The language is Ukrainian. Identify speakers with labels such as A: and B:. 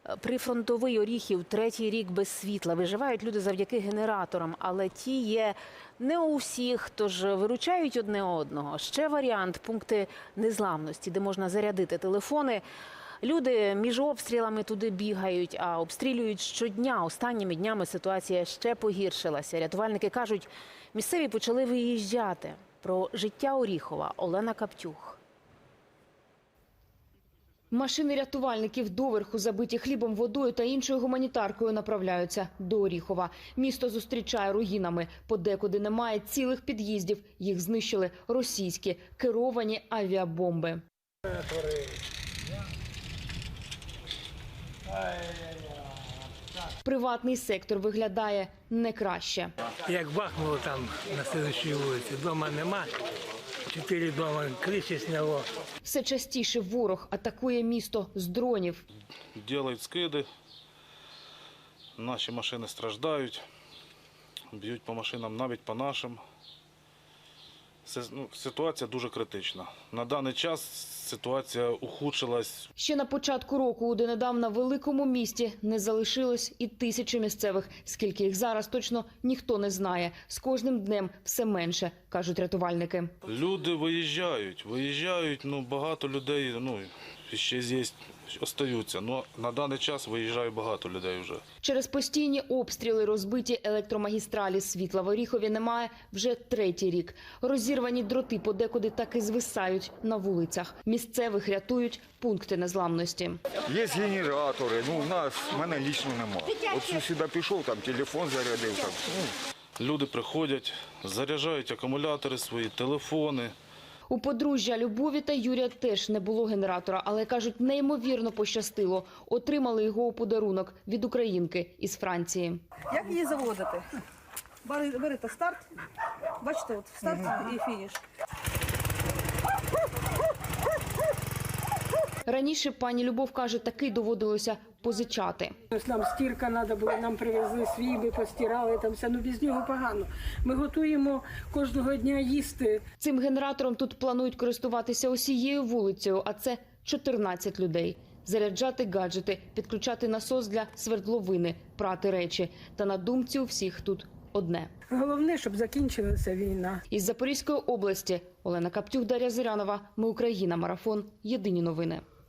A: Прифронтовий Оріхів третій рік без світла. Виживають люди завдяки генераторам, але ті є не у всіх, тож виручають одне одного. Ще варіант – пункти незламності, де можна зарядити телефони. Люди між обстрілами туди бігають, а обстрілюють щодня. Останніми днями ситуація ще погіршилася. Рятувальники кажуть, місцеві почали виїжджати. Про життя Оріхова Олена Каптюх.
B: Машини рятувальників доверху забиті хлібом, водою та іншою гуманітаркою направляються до Оріхова. Місто зустрічає руїнами. Подекуди немає цілих під'їздів. Їх знищили російські керовані авіабомби. Приватний сектор виглядає не краще.
C: Як бахнуло там на слідчій вулиці, дома нема, 4 дома криші сняло.
B: Все частіше ворог атакує місто з дронів.
D: Роблять скиди, наші машини страждають, б'ють по машинам, навіть по нашим. Ситуація дуже критична. На даний час ситуація ухудшилась.
B: Ще на початку року у донедавна великому місті не залишилось і тисячі місцевих. Скільки їх зараз, точно ніхто не знає. З кожним днем все менше, кажуть рятувальники.
D: Люди виїжджають, багато людей, ще здесь остаються. На даний час виїжджає багато людей вже.
B: Через постійні обстріли розбиті електромагістралі. Світла в Оріхові немає вже третій рік. Розірвані дроти подекуди так і звисають на вулицях. Місцевих рятують пункти незламності.
E: Є генератори, в мене лічно немає. От сюди пішов, там телефон зарядив.
D: Люди приходять, заряджають акумулятори свої, телефони.
B: У подружжя Любові та Юрія теж не було генератора, але, кажуть, неймовірно пощастило. Отримали його у подарунок від українки із Франції.
F: Як її заводити? Берете старт, бачите, от старт і фініш.
B: Раніше пані Любов каже, таки доводилося позичати.
G: Нам стірка треба була, нам привезли свій, ми постирали, там все, без нього погано. Ми готуємо кожного дня їсти.
B: Цим генератором тут планують користуватися усією вулицею, а це 14 людей. Заряджати гаджети, підключати насос для свердловини, прати речі. Та на думці у всіх тут одне.
G: Головне, щоб закінчилася війна.
B: Із Запорізької області Олена Каптюх, Дар'я Зирянова. Ми Україна. Марафон. Єдині новини.